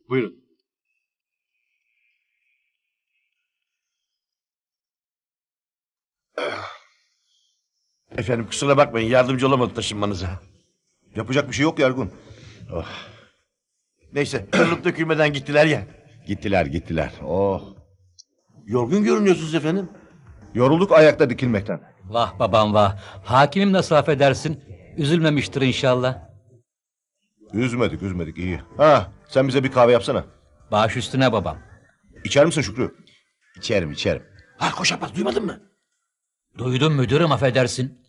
Buyurun. Efendim kusura bakmayın yardımcı olamadı taşınmanıza. Yapacak bir şey yok Ergun. Neyse kırılıp dökülmeden gittiler ya. Gittiler. Oh. Yorgun görünüyorsunuz efendim. Yorulduk ayakta dikilmekten. Vah babam vah. Hakimim nasıl affedersin? Üzülmemiştir inşallah. Üzmedik iyi. Ha, sen bize bir kahve yapsana. Baş üstüne babam. İçer misin Şükrü? İçerim. Ha koş Abbas duymadın mı? Duydum müdürüm affedersin.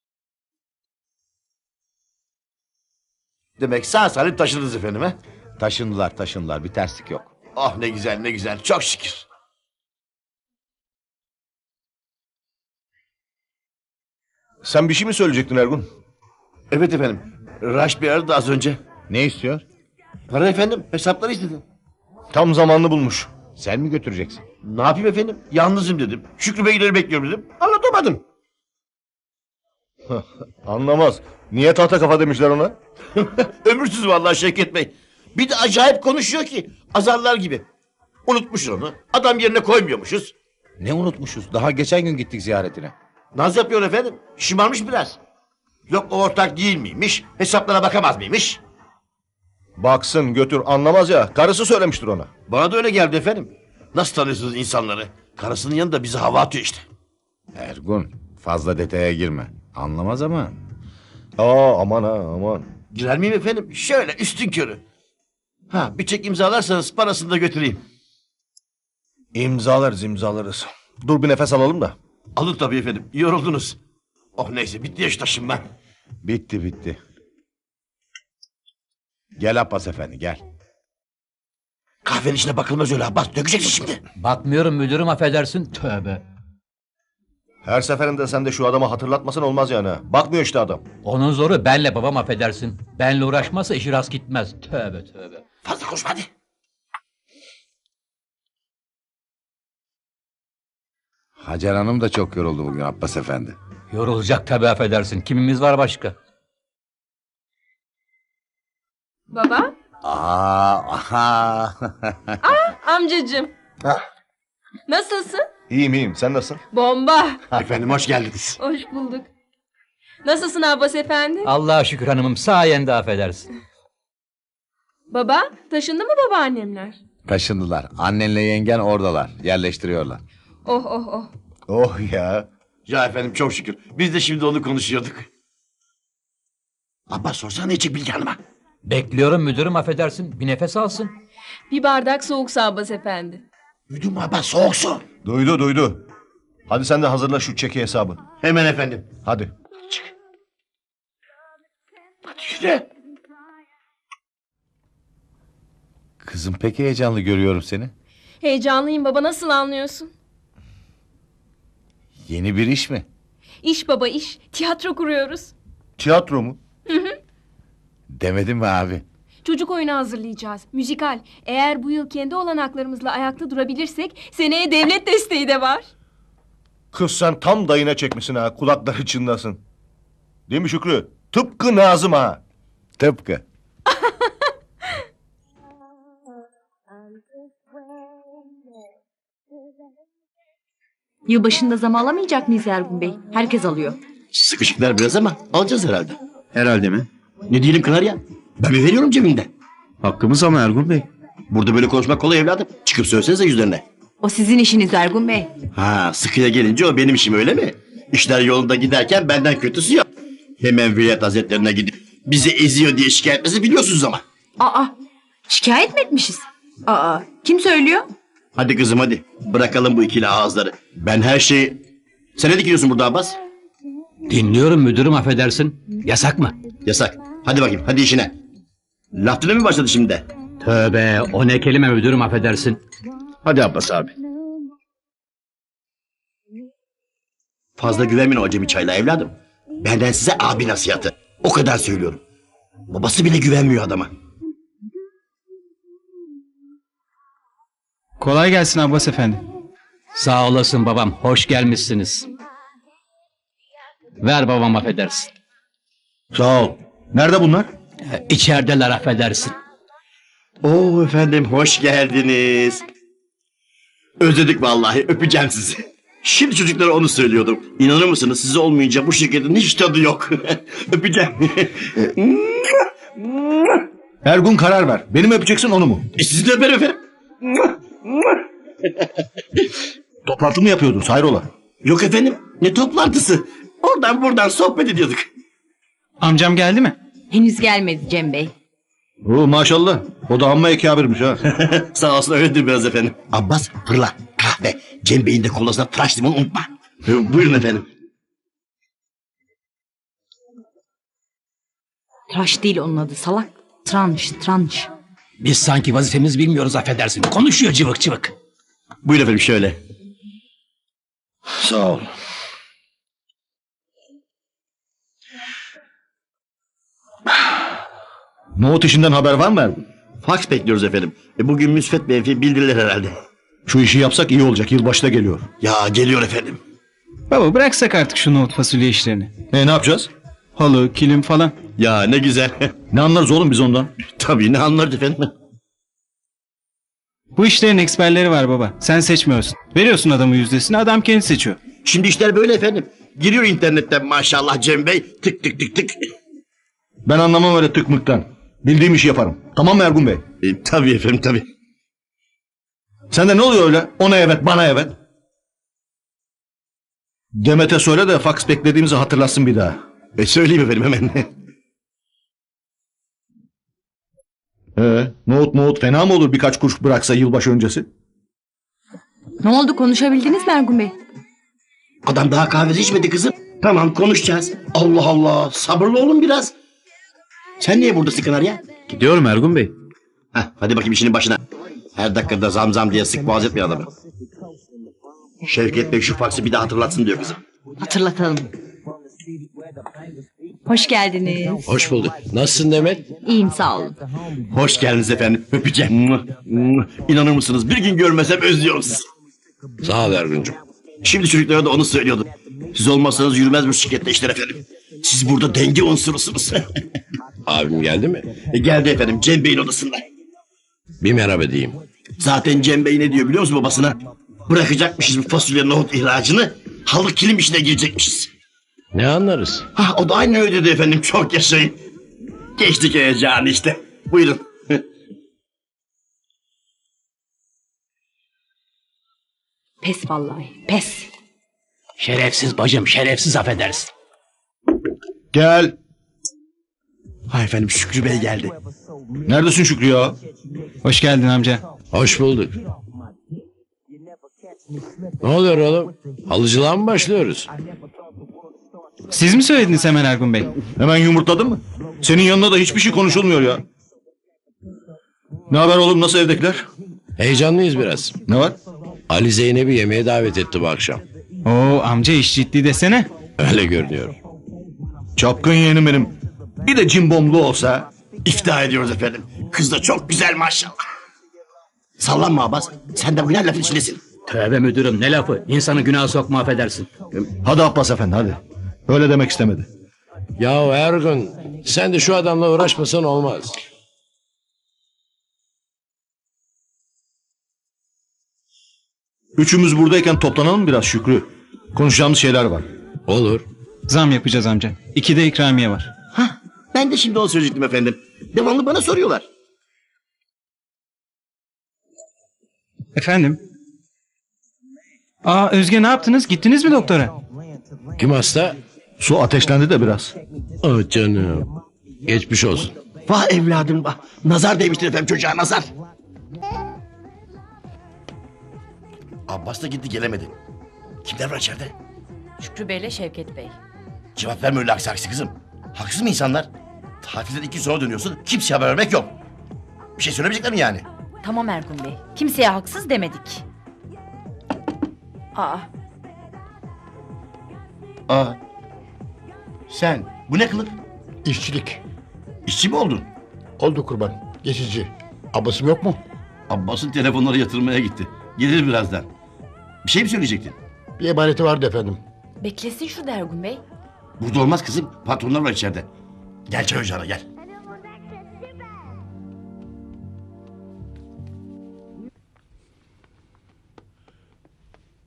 Demek sağ salim taşındınız efendim ha? Taşındılar bir terslik yok. Oh ne güzel çok şükür. Sen bir şey mi söyleyecektin Ergun? Evet efendim. Raş bir aradı az önce. Ne istiyor? Para efendim hesapları istedi. Tam zamanını bulmuş. Sen mi götüreceksin? Ne yapayım efendim? Yalnızım dedim. Şükrü Beyleri bekliyorum dedim. Anlatamadım. Anlamaz. Niye tahta kafa demişler ona? Ömürsüz vallahi Şevket Bey. Bir de acayip konuşuyor ki. Azarlar gibi. Unutmuşuz onu. Adam yerine koymuyormuşuz. Ne unutmuşuz? Daha geçen gün gittik ziyaretine. Naz yapıyor efendim. Şımarmış biraz. Yok o ortak değil miymiş? Hesaplara bakamaz mıymış? Baksın götür anlamaz ya. Karısı söylemiştir ona. Bana da öyle geldi efendim. Nasıl tanıyorsunuz insanları? Karısının yanında bize hava atıyor işte. Ergun, fazla detaya girme. Anlamaz ama. Aman. Girer miyim efendim? Şöyle üstün körü. Ha bir çek imzalarsanız parasını da götüreyim. İmzalarız. Dur bir nefes alalım da. Alın tabii efendim. Yoruldunuz. Oh neyse bitti ya şu taşınma. Bitti. Gel Abbas efendi gel. Kahvenin içine bakılmaz öyle Abbas. Dökeceksin şimdi. Bakmıyorum müdürüm affedersin. Tövbe. Her seferinde sen de şu adamı hatırlatmasan olmaz yani. Bakmıyor işte adam. Onun zoru benle babam affedersin. Benle uğraşmazsa işi rast gitmez. Tövbe. Fazla konuşma hadi. Hacer Hanım da çok yoruldu bugün Abbas efendi. Yorulacak tabii affedersin. Kimimiz var başka? Baba? Aha. Amcacığım. Nasılsın? İyiyim. Sen nasılsın? Bomba. Efendim hoş geldiniz. Hoş bulduk. Nasılsın Abbas efendi? Allah'a şükür hanımım sayende affedersin. Baba, taşındı mı babaannemler? Taşındılar. Annenle yengen oradalar. Yerleştiriyorlar. Oh. Oh ya. Ya efendim çok şükür. Biz de şimdi onu konuşuyorduk. Abbas sorsana ne içecek Bilge Hanım'a? Bekliyorum müdürüm affedersin. Bir nefes alsın. Bir bardak soğuk su Abbas efendi. Duydun mu Abbas soğuk su. Duydu. Hadi sen de hazırla şu çeki hesabı. Hemen efendim. Hadi. Hadi yürü. Kızım pek heyecanlı görüyorum seni. Heyecanlıyım baba, nasıl anlıyorsun? Yeni bir iş mi? İş baba iş. Tiyatro kuruyoruz. Tiyatro mu? Demedim mi abi? Çocuk oyunu hazırlayacağız. Müzikal. Eğer bu yıl kendi olanaklarımızla ayakta durabilirsek seneye devlet desteği de var. Kız sen tam dayına çekmişsin ha. Kulakları çınlasın. Değil mi Şükrü? Tıpkı Nazım ha. Tıpkı. Yılbaşında zam alamayacak mıyız Ergun Bey? Herkes alıyor. Sıkışıklar biraz ama alacağız herhalde. Herhalde mi? Ne diyelim Kanarya? Ben mi veriyorum cebimden? Hakkımız ama Ergun Bey. Burada böyle konuşmak kolay evladım. Çıkıp söylesenize yüzlerine. O sizin işiniz Ergun Bey. Ha sıkıya gelince o benim işim öyle mi? İşler yolunda giderken benden kötüsü yok. Hemen Vilayet Hazretlerine gidip bizi eziyor diye şikayet etmesi biliyorsunuz ama. Aa, şikayet mi etmişiz? Aa, kim söylüyor? Hadi kızım hadi. Bırakalım bu ikili ağızları. Ben her şeyi... Sen ne dikiyorsun burada Abbas? Dinliyorum müdürüm affedersin. Yasak mı? Yasak. Hadi bakayım hadi işine. Laf dinle mi başladı şimdi de? Tövbe o ne kelime müdürüm affedersin. Hadi Abbas abi. Fazla güvenmeyin o acemi çayla evladım. Benden size abi nasihatı. O kadar söylüyorum. Babası bile güvenmiyor adama. Kolay gelsin Abbas efendi. Sağ olasın babam. Hoş gelmişsiniz. Ver babam affedersin. Sağ ol. Nerede bunlar? İçerideler affedersin. Oo efendim hoş geldiniz. Özledik vallahi öpeceğim sizi. Şimdi çocuklara onu söylüyordum. İnanır mısınız siz olmayınca bu şirketin hiç tadı yok. Öpeceğim. Ergun karar ver. Beni mi öpeceksin onu mu? Sizi de öperim efendim. Toplantı mı yapıyordunuz hayrola? Yok efendim ne toplantısı. Oradan buradan sohbet ediyorduk. Amcam geldi mi? Henüz gelmedi Cem Bey. Oo, maşallah. O da amma ekabirmiş ha. Sağ olsun öyledir biraz efendim. Abbas fırla kahve. Cem Bey'in de kolasına tıraş limon unutma. Buyurun efendim. Tıraş değil onun adı salak. Tranş. Biz sanki vazifemizi bilmiyoruz affedersin. Konuşuyor cıvık cıvık. Buyurun efendim şöyle. Sağ ol. Nohut işinden haber var mı Ergun? Fax bekliyoruz efendim. Bugün müsbet menfi bildirirler herhalde. Şu işi yapsak iyi olacak. Yılbaşı da geliyor. Ya geliyor efendim. Baba bıraksak artık şu nohut fasulye işlerini. Ne yapacağız? Halı, kilim falan. Ya ne güzel. Ne anlarız oğlum biz ondan? Tabii ne anlarız efendim. Bu işlerin eksperleri var baba. Sen seçmiyorsun. Veriyorsun adamın yüzdesini, adam kendi seçiyor. Şimdi işler böyle efendim. Giriyor internetten maşallah Cem Bey. Tık tık tık tık. Ben anlamam öyle tıkmıktan. Bildiğim işi yaparım. Tamam mı Ergun Bey? Tabii efendim tabii. Sende ne oluyor öyle? Ona evet, bana evet. Demet'e söyle de fax beklediğimizi hatırlasın bir daha. Söyleyeyim efendim hemen. Nohut fena mı olur birkaç kuruş bıraksa yılbaşı öncesi? Ne oldu konuşabildiniz mi Ergun Bey? Adam daha kahvesi içmedi kızım. Tamam konuşacağız. Allah Allah sabırlı olun biraz. Sen niye buradasın Kanarya? Gidiyorum Ergun Bey. Hadi bakayım işinin başına. Her dakikada zam diye sık boğaz etmiyor adamı. Şevket Bey şu faksı bir daha hatırlatsın diyor kızım. Hatırlatalım. Hoş geldiniz. Hoş bulduk. Nasılsın Demet? İyiyim sağ olun. Hoş geldiniz efendim. Öpeceğim. İnanır mısınız bir gün görmesem özlüyorum sizi. Sağ ol Ergun'cum. Şimdi çocuklara da onu söylüyordum. Siz olmazsanız yürümez bu şirkette işler efendim. Siz burada denge unsurusunuz. Abim geldi mi? Geldi efendim Cem Bey'in odasında. Bir merhaba diyeyim. Zaten Cem Bey ne diyor biliyor musun babasına? Bırakacakmışız bu fasulye nohut ihracını. Halı kilim işine girecekmişiz. Ne anlarız? O da aynı öyle dedi efendim çok yaşayın. Geçtik heyecanı işte. Buyurun. Pes vallahi pes. Şerefsiz bacım şerefsiz affedersin. Gel. Efendim Şükrü Bey geldi. Neredesin Şükrü ya? Hoş geldin amca. Hoş bulduk. Ne oluyor oğlum? Halıcılığa mı başlıyoruz? Siz mi söylediniz hemen Ergun Bey? Hemen yumurtladın mı? Senin yanında da hiçbir şey konuşulmuyor ya. Ne haber oğlum nasıl evdekiler? Heyecanlıyız biraz. Ne var? Ali Zeynep'i yemeğe davet etti bu akşam. Oo amca iş ciddi desene. Öyle görünüyor. Çapkın yeğenim benim. Bir de cimbomlu olsa. İftihar ediyoruz efendim. Kız da çok güzel maşallah. Sallanma Abbas. Sen de bu ne lafın içindesin. Tövbe müdürüm ne lafı. İnsanı günaha sokma affedersin. Hadi Abbas efendi hadi. Öyle demek istemedi. Ya Ergun, sen de şu adamla uğraşmasan olmaz. Üçümüz buradayken toplanalım biraz Şükrü. Konuşacağımız şeyler var. Olur. Zam yapacağız amca. 2'de ikramiye var. Ben de şimdi onu söyleyecektim efendim. Devamlı bana soruyorlar. Efendim? Aa Özge ne yaptınız? Gittiniz mi doktora? Kim hasta? Su ateşlendi de biraz. Ah canım. Geçmiş olsun. Vah evladım vah. Nazar değmiştir efendim çocuğa nazar. Abbas da gitti gelemedi. Kimler var içeride? Şükrü Bey'le Şevket Bey. Cevap verme öyle aksi aksi kızım. Haksız mı insanlar? Tatilden 2 gün sonra dönüyorsun. Kimseye haber vermek yok. Bir şey söylemeyecekler mi yani? Tamam Ergun Bey. Kimseye haksız demedik. Sen bu ne kılık? İşçilik. İşçi mi oldun? Oldu kurban. Geçici. Abbasım yok mu? Abbas'ın telefonları yatırmaya gitti. Gelir birazdan. Bir şey mi söyleyecektin? Bir emaneti vardı efendim. Beklesin şu Ergun Bey. Burada olmaz kızım. Patronlar var içeride. Gel çay ocağına gel.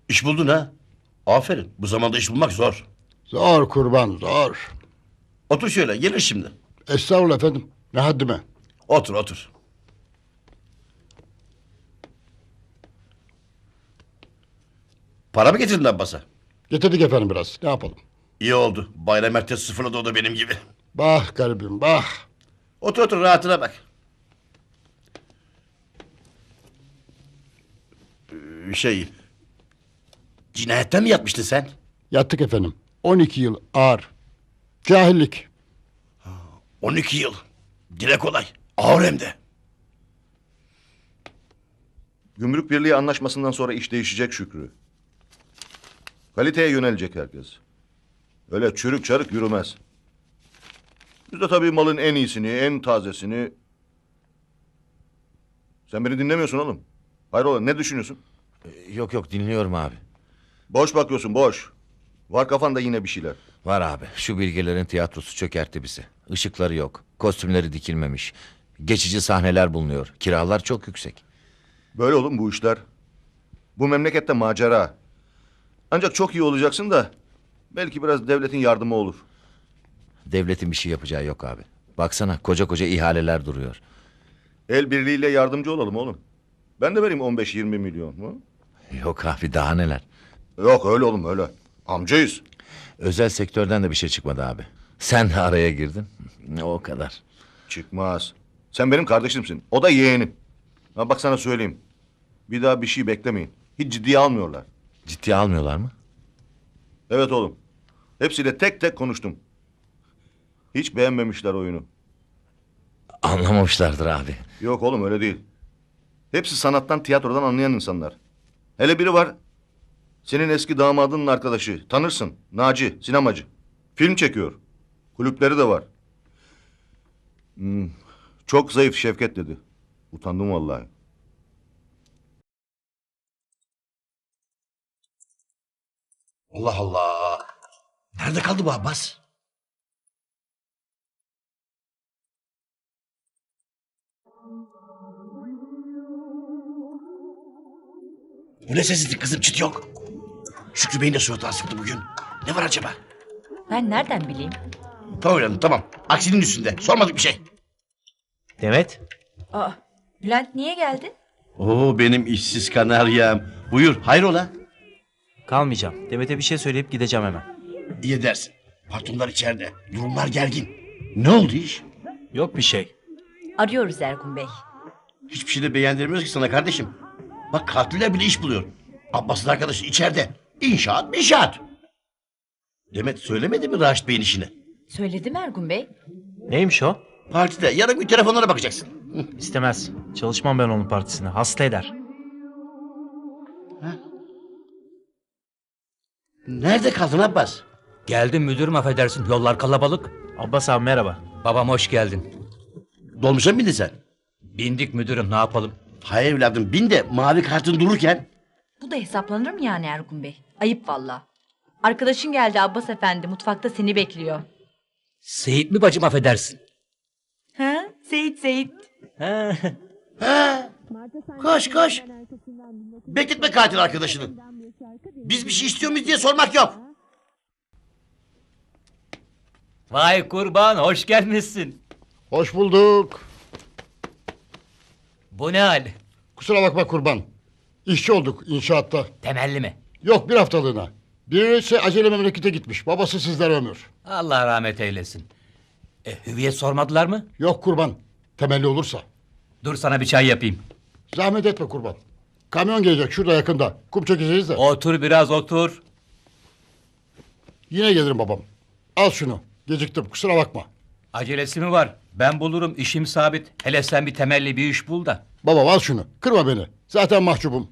İş buldun ha? Aferin. Bu zamanda iş bulmak zor. Zor kurban zor. Otur şöyle, gelir şimdi. Estağfurullah efendim. Ne haddime. Otur, otur. Para mı getirdin Abbas'a? Getirdik efendim biraz. Ne yapalım? İyi oldu. Bayram ertesi sıfırladı o da benim gibi. Bah garibim bah. Otur otur, rahatına bak. Şey... Cinayetten mi yatmıştın sen? Yattık efendim. 12 yıl ağır. Cahillik. 12 yıl. Dile kolay. Ağır hem de. Gümrük Birliği anlaşmasından sonra iş değişecek Şükrü. Kaliteye yönelecek herkes. Öyle çürük çarık yürümez. Biz de tabii malın en iyisini, en tazesini... Sen beni dinlemiyorsun oğlum. Hayrola, ne düşünüyorsun? Yok yok, dinliyorum abi. Boş bakıyorsun, boş. Var kafanda yine bir şeyler. Var abi, şu bilgelerin tiyatrosu çökertti bizi. Işıkları yok, kostümleri dikilmemiş. Geçici sahneler bulunuyor. Kiralar çok yüksek. Böyle oğlum bu işler. Bu memlekette macera. Ancak çok iyi olacaksın da... belki biraz devletin yardımı olur. Devletin bir şey yapacağı yok abi. Baksana, koca koca ihaleler duruyor. El birliğiyle yardımcı olalım oğlum. Ben de vereyim 15-20 milyon. Hı? Yok abi, daha neler. Yok öyle oğlum öyle. Amcayız. Özel sektörden de bir şey çıkmadı abi. Sen de araya girdin. O kadar. Çıkmaz. Sen benim kardeşimsin. O da yeğenim. Ha bak sana söyleyeyim. Bir daha bir şey beklemeyin. Hiç ciddiye almıyorlar. Ciddiye almıyorlar mı? Evet oğlum. Hepsiyle tek tek konuştum. Hiç beğenmemişler oyunu. Anlamamışlardır abi. Yok oğlum öyle değil. Hepsi sanattan, tiyatrodan anlayan insanlar. Hele biri var. Senin eski damadının arkadaşı. Tanırsın. Naci, sinemacı. Film çekiyor. Kulüpleri de var. Çok zayıf Şevket dedi. Utandım vallahi. Allah Allah. Nerede kaldı bu Abbas? Bu ne sessizlik kızım, çıt yok. Şükrü Bey'in de suratı asıktı bugün. Ne var acaba? Ben nereden bileyim? Tamam canım, tamam. Aksinin üstünde. Sormadık bir şey. Demet. Aa, Bülent niye geldin? Oo, benim işsiz kanaryam. Buyur, hayrola? Kalmayacağım. Demet'e bir şey söyleyip gideceğim hemen. İyi edersin. Patronlar içeride. Durumlar gergin. Ne oldu iş? Yok bir şey. Arıyoruz Ergun Bey. Hiçbir şey de beğendirmiyoruz ki sana kardeşim. Bak katiller bile iş buluyor. Abbas'ın arkadaşı içeride. İnşaat. Demet söylemedi mi Raşit Bey'in işini? Söyledim Ergun Bey. Neymiş o? Partide yarın bir telefonlara bakacaksın. İstemez. Çalışmam ben onun partisine. Hasta eder. Nerede kaldın Abbas? Geldim müdürüm, affedersin. Yollar kalabalık. Abbas abi merhaba. Babam hoş geldin. Dolmuşa mı bindin sen? Bindik müdürüm, ne yapalım? Hayır evladım, bin de mavi kartın dururken. Bu da hesaplanır mı yani Ergun Bey? Ayıp valla. Arkadaşın geldi Abbas Efendi. Mutfakta seni bekliyor. Seyit mi bacım, affedersin? Ha? Seyit. Koş. Bekletme katil arkadaşını. Biz bir şey istiyor muyuz diye sormak yok. Vay kurban, hoş gelmişsin. Hoş bulduk. Bu ne hal? Kusura bakma kurban. İşçi olduk inşaatta. Temelli mi? Yok bir haftalığına. Birisi acele memlekete gitmiş. Babası sizden ömür. Allah rahmet eylesin. Hüviyet sormadılar mı? Yok kurban. Temelli olursa. Dur sana bir çay yapayım. Zahmet etme kurban. Kamyon gelecek şurada yakında. Kum çekeceğiz de. Otur biraz, otur. Yine gelirim babam. Al şunu. Geciktim kusura bakma. Acelesi mi var? Ben bulurum, işim sabit. Hele sen bir temelli bir iş bul da. Babam al şunu. Kırma beni. Zaten mahcubum.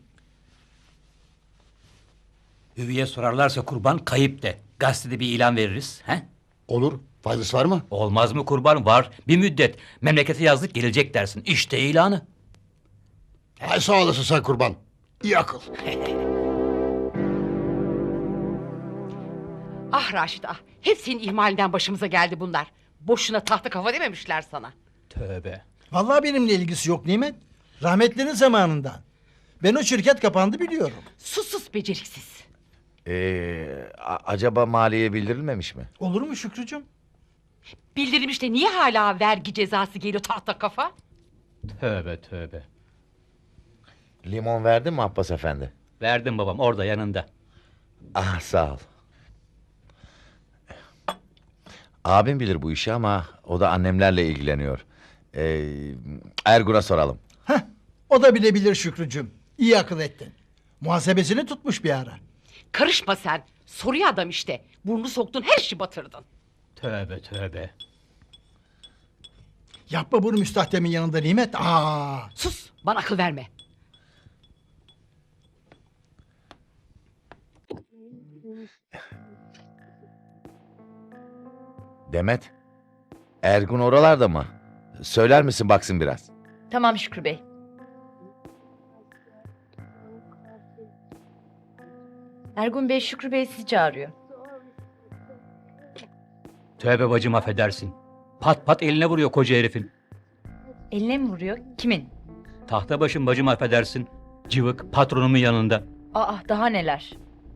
Hüviye sorarlarsa kurban, kayıp de. Gazetede bir ilan veririz. He? Olur. Faydası var mı? Olmaz mı kurban? Var. Bir müddet. Memlekete yazdık, gelecek dersin. İşte ilanı. Ay sağ olasın sen kurban. İyi akıl. Ah Raşit ah. Hep senin ihmalinden başımıza geldi bunlar. Boşuna tahta kafa dememişler sana. Tövbe. Vallahi benimle ilgisi yok Nimet. Rahmetlerin zamanından. Ben o şirket kapandı biliyorum. Sus beceriksiz. Acaba maliyeye bildirilmemiş mi? Olur mu Şükrücüğüm? Bildirilmiş de niye hala vergi cezası geliyor tahta kafa? Tövbe tövbe. Limon verdin mi Abbas Efendi? Verdim babam orada yanında. Ah sağ ol. Abim bilir bu işi ama o da annemlerle ilgileniyor. Ergun'a soralım. O da bilebilir Şükrücüğüm. İyi akıl ettin. Muhasebesini tutmuş bir ara. Karışma sen. Soruyor adam işte. Burnunu soktun her işi batırdın. Tövbe tövbe. Yapma bunu müstahdemin yanında Nimet. Sus bana akıl verme. Demet, Ergun oralarda mı? Söyler misin baksın biraz? Tamam Şükrü Bey. Ergun Bey Şükrü Bey sizi çağırıyor. Tövbe bacım affedersin. Pat pat eline vuruyor koca herifin. Eline mi vuruyor? Kimin? Tahta başım bacım affedersin. Cıvık patronumun yanında. Aa daha neler.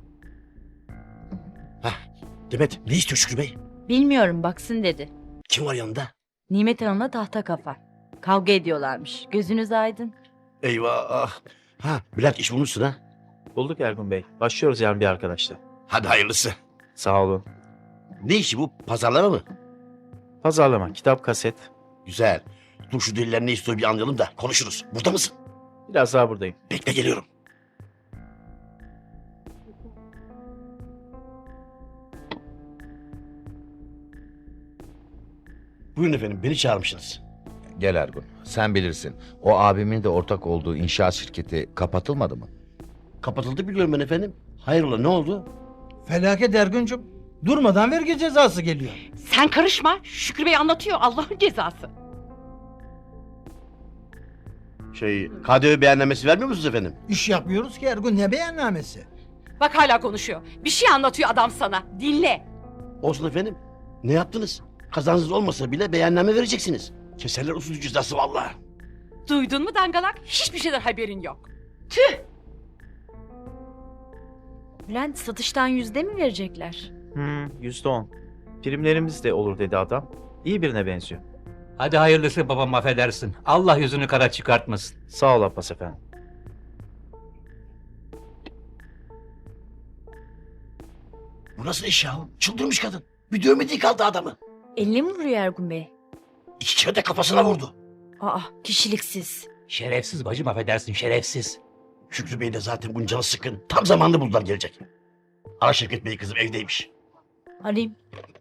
Demet ne istiyor Şükrü Bey? Bilmiyorum baksın dedi. Kim var yanında? Nimet Hanım'la tahta kafa. Kavga ediyorlarmış. Gözünüz aydın. Eyvah. Ha Bülent iş bulmuşsun ha. Bulduk Ergun Bey. Başlıyoruz yarın bir arkadaşla. Hadi hayırlısı. Sağ olun. Ne işi bu? Pazarlama mı? Pazarlama, kitap, kaset. Güzel. Dur şu deliler ne istiyor bir anlayalım da konuşuruz. Burada mısın? Biraz daha buradayım. Bekle geliyorum. Buyurun efendim beni çağırmışsınız. Gel Ergun, sen bilirsin. O abimin de ortak olduğu inşaat şirketi kapatılmadı mı? Kapatıldı biliyorum ben efendim. Hayrola ne oldu? Felaket Ergun'cum. Durmadan vergi cezası geliyor. Sen karışma. Şükrü Bey anlatıyor Allah'ın cezası. KDV beyannamesi vermiyor musunuz efendim? İş yapmıyoruz ki Ergun, ne beyannamesi? Bak hala konuşuyor. Bir şey anlatıyor adam sana. Dinle. Olsun efendim. Ne yaptınız? Kazancınız olmasa bile beyanname vereceksiniz. Keserler usulü cüzdası vallahi. Duydun mu dangalak? Hiçbir şeyden haberin yok. Tüh! Bülent satıştan %100 mi verecekler? %10. Primlerimiz de olur dedi adam. İyi birine benziyor. Hadi hayırlısı babam affedersin. Allah yüzünü kara çıkartmasın. Sağ ol Abbas Efendi. Bu nasıl iş ya? Çıldırmış kadın. Bir dövmediği kaldı adamı. Eline mi vuruyor Ergun Bey? 2 kere de kafasına vurdu. Aa kişiliksiz. Şerefsiz bacım affedersin şerefsiz. Şükrü Bey de zaten bunun canı sıkkın. Tam zamanında buldular gelecek. Ara Şevket Bey kızım evdeymiş. Arayayım.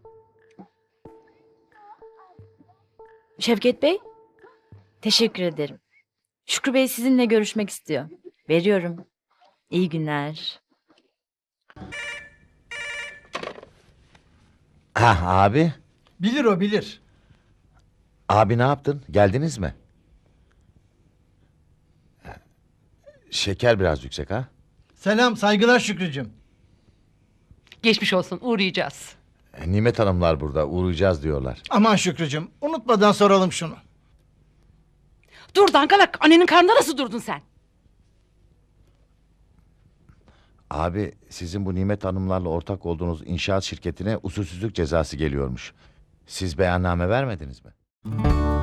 Şevket Bey. Teşekkür ederim. Şükrü Bey sizinle görüşmek istiyor. Veriyorum. İyi günler. Abi. Bilir o bilir. Abi ne yaptın? Geldiniz mi? Şeker biraz yüksek ha? Selam saygılar Şükrücüğüm. Geçmiş olsun uğrayacağız. Nimet Hanımlar burada uğrayacağız diyorlar. Aman Şükrücüğüm unutmadan soralım şunu. Dur dangalak annenin karnında nasıl durdun sen? Abi sizin bu Nimet Hanımlarla ortak olduğunuz inşaat şirketine usulsüzlük cezası geliyormuş. Siz beyanname vermediniz mi?